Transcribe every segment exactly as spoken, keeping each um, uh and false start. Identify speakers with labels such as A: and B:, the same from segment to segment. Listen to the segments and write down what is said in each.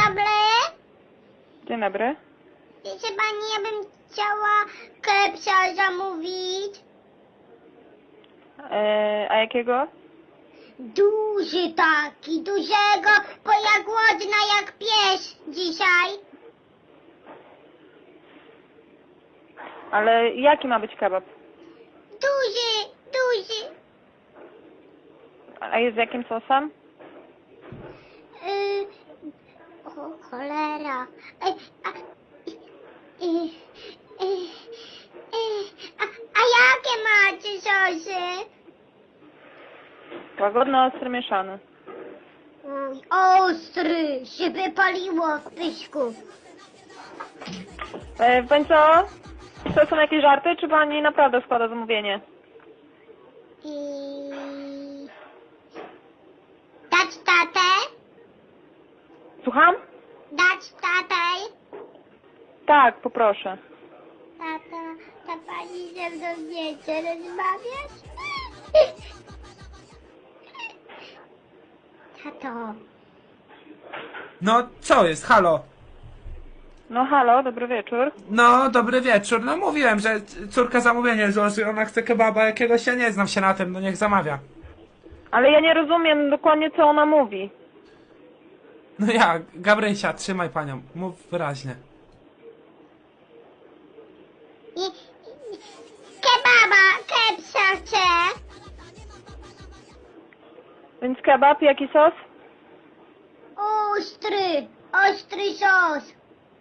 A: dobry.
B: Dzień dobry.
A: Wiecie pani, ja bym chciała kepsa zamówić.
B: E, a jakiego?
A: Duży taki, dużego, bo ja głodna jak pies dzisiaj.
B: Ale jaki ma być kebab?
A: Duży, duży.
B: A jest z jakim sosem?
A: Yy, o cholera. Yy, a, yy, yy, yy, a, a jakie macie sosy?
B: Łagodny, ostry, mieszany.
A: Uj, ostry, się wypaliło w pyszku.
B: E, pani co? To są jakieś żarty, czy pani naprawdę składa zamówienie?
A: I... Dać tatę?
B: Słucham?
A: Dać tatę?
B: Tak, poproszę.
A: Tata, ta pani ze mną nie chce rozmawiać? Tato,
C: No, co jest? Halo?
B: No halo, dobry wieczór.
C: No, dobry wieczór. No mówiłem, że c- córka zamówienie złoży, ona chce kebaba jakiegoś, ja nie znam się na tym, no niech zamawia.
B: Ale ja nie rozumiem dokładnie, co ona mówi.
C: No ja, Gabrysia, trzymaj panią, mów wyraźnie.
A: i, i, kebaba, kepsa chcę.
B: Więc kebab, jaki sos?
A: Ostry, ostry sos.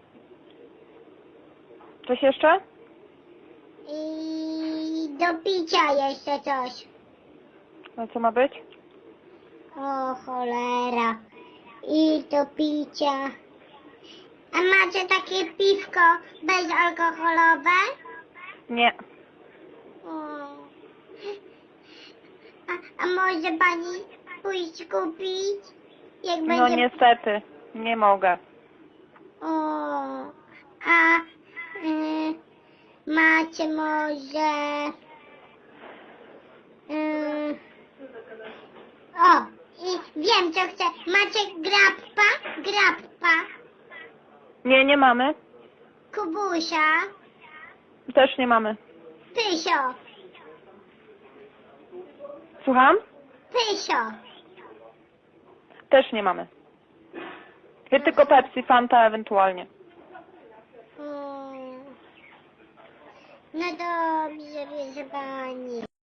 B: Coś jeszcze?
A: I do picia jeszcze coś.
B: A co ma być?
A: O cholera. I do picia. A macie takie piwko bezalkoholowe?
B: Nie.
A: O. A, a może pani pójść kupić? Jak
B: No
A: będzie...
B: niestety, nie mogę.
A: O. A y, macie może... Y, o, i wiem co chcę. Macie grappa? Grappa.
B: Nie, nie mamy.
A: Kubusia.
B: Też nie mamy.
A: Pysio.
B: Słucham?
A: Pysio.
B: Też nie mamy. Jest tylko Pepsi, Fanta ewentualnie.
A: Mm. No dobrze, proszę pani.